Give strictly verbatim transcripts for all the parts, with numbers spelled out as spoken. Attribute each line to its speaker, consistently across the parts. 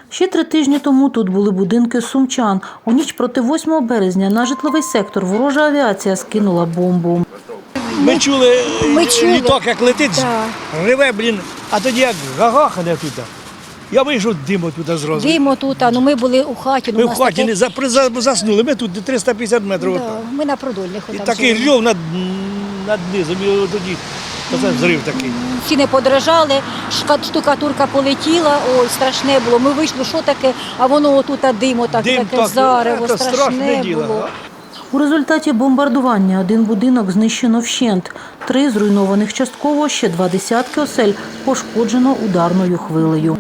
Speaker 1: Ще три тижні тому тут були будинки сумчан. У ніч проти восьмого березня на житловий сектор ворожа авіація скинула бомбу.
Speaker 2: Ми чули,
Speaker 3: Ми чули.
Speaker 2: літак як летить,
Speaker 3: Да.
Speaker 2: реве, блін, а тоді як гагахане тут. Я вийшов, диму туди зразу.
Speaker 3: Димо тут, а ну ми були у хаті. Ну,
Speaker 2: Ми
Speaker 3: у
Speaker 2: в
Speaker 3: нас
Speaker 2: хаті
Speaker 3: таке-
Speaker 2: не за- при- за- заснули, ми тут триста п'ятдесят метрів.
Speaker 3: Да,
Speaker 2: отак.
Speaker 3: ми на продольних.
Speaker 2: І
Speaker 3: отам
Speaker 2: такий
Speaker 3: жили.
Speaker 2: рьов над, над низом, і тоді оце взрив такий.
Speaker 3: Всі не подражали, шка- штукатурка полетіла, ой, страшне було. Ми вийшли, що таке, а воно отут а димо, так,
Speaker 2: Дим
Speaker 3: таке
Speaker 2: так,
Speaker 3: зарево,
Speaker 2: це
Speaker 3: страшне,
Speaker 2: страшне діло,
Speaker 3: було.
Speaker 1: У результаті бомбардування один будинок знищено вщент, три зруйнованих частково, ще два десятки осель пошкоджено ударною хвилею.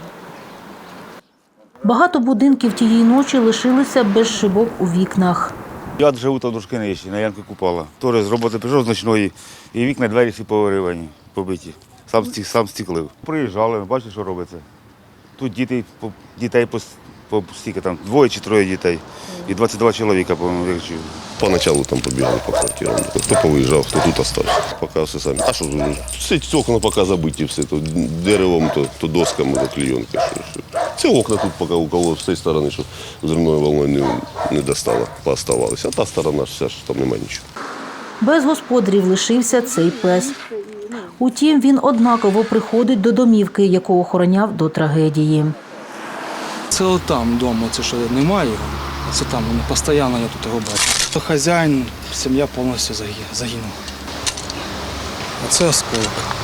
Speaker 1: Багато будинків тієї ночі лишилися без шибок у вікнах.
Speaker 4: Я живу там трошки нижче, на Янки Купала. Теж з роботи прийшов з ночної, і вікна, двері всі повиривані, побиті. Сам, стік, сам стіклив. Приїжджали, бачите, що робиться. Тут діти, по- дітей по, по стільки там, двоє чи троє дітей. І двадцять два чоловіка, по-моєму, як чую.
Speaker 5: Поначалу там побігали по квартирам. Хто повиїжджав, хто тут остався. Поки все самі. А що, все окна поки забиті, все. То деревом, то, то досками, то клейонка. Що, що. Ці окна тут поки у кого з цієї сторони, що взривною волною не, не достало, пооставалися. А та сторона ж вся, що там немає нічого.
Speaker 1: Без господарів лишився цей пес. Утім, він однаково приходить до домівки, яку охороняв до трагедії.
Speaker 6: Це отам вдома, це що немає його. Це там, воно постійно я тут його бачу. Хазяїн, сім'я повністю загі- загинула. А це осколок.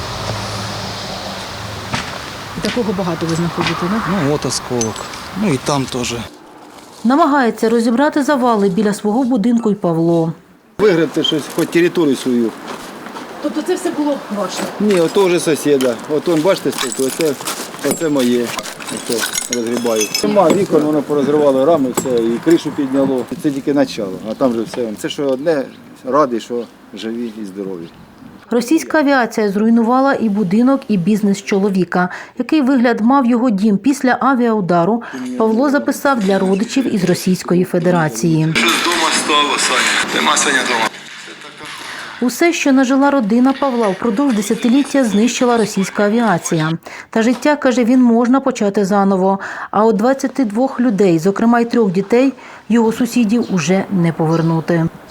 Speaker 1: Такого багато ви знаходите, не?
Speaker 6: Ну от осколок. Ну і там теж.
Speaker 1: Намагається розібрати завали біля свого будинку й Павло.
Speaker 7: Вигребти щось, хоч територію свою.
Speaker 1: Тобто це все було ваше?
Speaker 7: Ні, ото вже сусіда. От он, бачите, стільки, оце, оце моє. Оце розгрібаю. Нема вікон, воно порозривало рами, все, і кришу підняло. Це тільки начало, а там вже все. Це що одне, радий, що живі і здорові.
Speaker 1: Російська авіація зруйнувала і будинок, і бізнес чоловіка. Який вигляд мав його дім після авіаудару, Павло записав для родичів із Російської Федерації.
Speaker 8: Що з дома стало, Саня? Нема Саня дома.
Speaker 1: Усе, що нажила родина Павла, впродовж десятиліття знищила російська авіація. Та життя, каже він, можна почати заново. А от двадцяти двох людей, зокрема й трьох дітей, його сусідів уже не повернути.